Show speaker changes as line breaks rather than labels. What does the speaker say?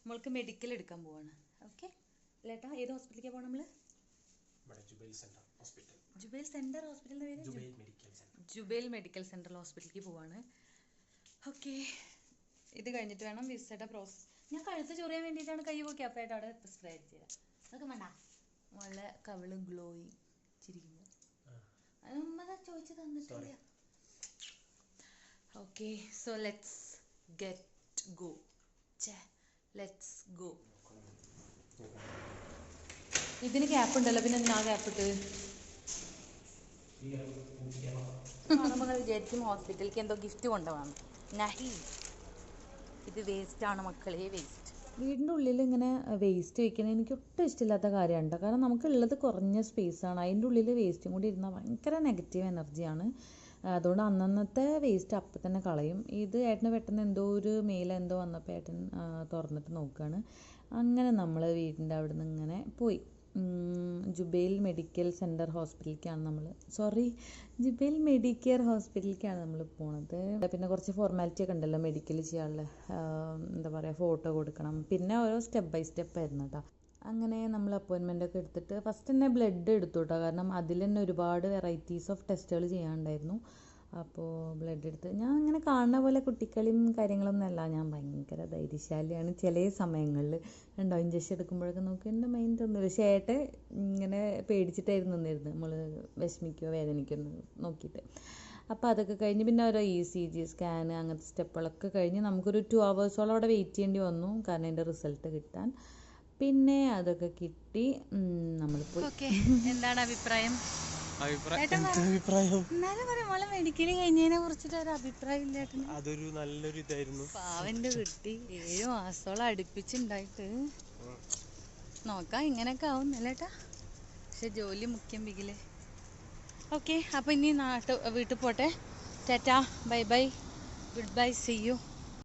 നമ്മൾക്ക് മെഡിക്കൽ എടുക്കാൻ പോവാണ്. ഓക്കെ ലേട്ടാ, ഏത് ഹോസ്പിറ്റലിലേക്കാണ് പോകണം നമ്മൾ? ജുബൈൽ സെൻറ്റർ ഹോസ്പിറ്റലിൻ്റെ പേര് ജുബൈൽ മെഡിക്കൽ സെൻട്രൽ ഹോസ്പിറ്റലിലേക്ക് പോവാണ്. ഓക്കെ, ഇത് കഴിഞ്ഞിട്ട് വേണം വിസയുടെ പ്രോസസ്. ഞാൻ കഴുത്ത് ചൊറിയാൻ വേണ്ടിയിട്ടാണ് കൈ പോക്കി അപ്പമായിട്ട് അവിടെ സ്പ്രേ അടിച്ചു തരാം. അതൊക്കെ വേണ്ട, നല്ല കവിള് ഗ്ലോയിങ് ചിരിക്കുമ്പോൾ അത് നമ്മ ചോദിച്ചു തന്നിട്ടില്ല. Okay, so let's get go. Let's go. ഇതിന് ക്യാപ്പ് ഉണ്ടല്ലോ, പിന്നെ എന്തിനാ ക്യാപ്പ് ഇട്ട്? നമ്മൾ വിചാരിക്കും ഹോസ്പിറ്റലിലേക്ക് എന്തോ ഗിഫ്റ്റ് കൊണ്ടുപോകണം. നഹി, ഇത് വേസ്റ്റാണ് മക്കളെ, വേസ്റ്റ്. വീടിൻ്റെ ഉള്ളിൽ ഇങ്ങനെ വേസ്റ്റ് വയ്ക്കുന്നത് എനിക്ക് ഒട്ടും ഇഷ്ടമില്ലാത്ത കാര്യമാണ്. കാരണം നമുക്കുള്ളത് കുറഞ്ഞ സ്പേസാണ്, അതിൻ്റെ ഉള്ളിൽ വേസ്റ്റും കൂടി ഇരുന്നാൽ ഭയങ്കര നെഗറ്റീവ് എനർജിയാണ്. അതുകൊണ്ട് അന്നന്നത്തെ വേസ്റ്റ് അപ്പം തന്നെ കളയും. ഇത് ഏട്ടന് പെട്ടെന്ന് എന്തോ ഒരു മെയിലെന്തോ വന്നപ്പോൾ ഏട്ടൻ തുറന്നിട്ട് നോക്കുകയാണ്. അങ്ങനെ നമ്മൾ വീടിൻ്റെ അവിടെ നിന്ന് ഇങ്ങനെ പോയി. ജുബൈൽ മെഡിക്കൽ സെൻറ്റർ ഹോസ്പിറ്റലിലേക്കാണ് ജുബൈൽ മെഡിക്കെയർ ഹോസ്പിറ്റലിലേക്കാണ് നമ്മൾ പോണത്. പിന്നെ കുറച്ച് ഫോർമാലിറ്റി ഒക്കെ ഉണ്ടല്ലോ മെഡിക്കൽ ചെയ്യാനുള്ള, എന്താ പറയുക, ഫോട്ടോ കൊടുക്കണം, പിന്നെ ഓരോ സ്റ്റെപ്പ് ബൈ സ്റ്റെപ്പ് ആയിരുന്നു കേട്ടോ. അങ്ങനെ നമ്മൾ അപ്പോയിൻമെൻ്റ് ഒക്കെ എടുത്തിട്ട് ഫസ്റ്റ് തന്നെ ബ്ലഡ് എടുത്തു കേട്ടോ. കാരണം അതിൽ തന്നെ ഒരുപാട് വെറൈറ്റീസ് ഓഫ് ടെസ്റ്റുകൾ ചെയ്യാനുണ്ടായിരുന്നു. അപ്പോൾ ബ്ലഡ് എടുത്ത് ഞാൻ അങ്ങനെ കാണുന്ന പോലെ കുട്ടിക്കളിയും കാര്യങ്ങളൊന്നും അല്ല, ഞാൻ ഭയങ്കര ധൈര്യശാലിയാണ്. ചില സമയങ്ങളിൽ ഉണ്ടോ ഇഞ്ചക്ഷൻ എടുക്കുമ്പോഴൊക്കെ നോക്കി എൻ്റെ മൈൻഡ് ഒന്നുമില്ല. പക്ഷേ ഏട്ടൻ ഇങ്ങനെ പേടിച്ചിട്ടായിരുന്നു നിന്നിരുന്നത്, നമ്മൾ വിഷമിക്കുകയോ വേദനിക്കുമെന്ന് നോക്കിയിട്ട്. അപ്പോൾ അതൊക്കെ കഴിഞ്ഞ് പിന്നെ ഓരോ ECG സ്കാൻ അങ്ങനത്തെ സ്റ്റെപ്പുകളൊക്കെ കഴിഞ്ഞ് നമുക്കൊരു 2 hours അവിടെ വെയിറ്റ് ചെയ്യേണ്ടി വന്നു, കാരണം അതിൻ്റെ റിസൾട്ട് കിട്ടാൻ. പിന്നെ അതൊക്കെ കിട്ടി, നമ്മൾ പോയി. എന്താണ് അഭിപ്രായം? മെഡിക്കൽ കഴിഞ്ഞതിനെ കുറിച്ചിട്ട് ഒരു അഭിപ്രായം ഇല്ല.
അതൊരു നല്ലൊരു ഇതായിരുന്നു.
പാവന്റെ കുട്ടി 7 മാസത്തോളം അടുപ്പിച്ചുണ്ടായിട്ട് നോക്കാം ഇങ്ങനെയൊക്കെ ആവും അല്ലേട്ടാ. പക്ഷെ ജോലി മുഖ്യം ബിഗില്. ഓക്കെ, അപ്പൊ ഇനി വീട്ടിൽ പോട്ടെ. Tata, bye bye, goodbye, see U.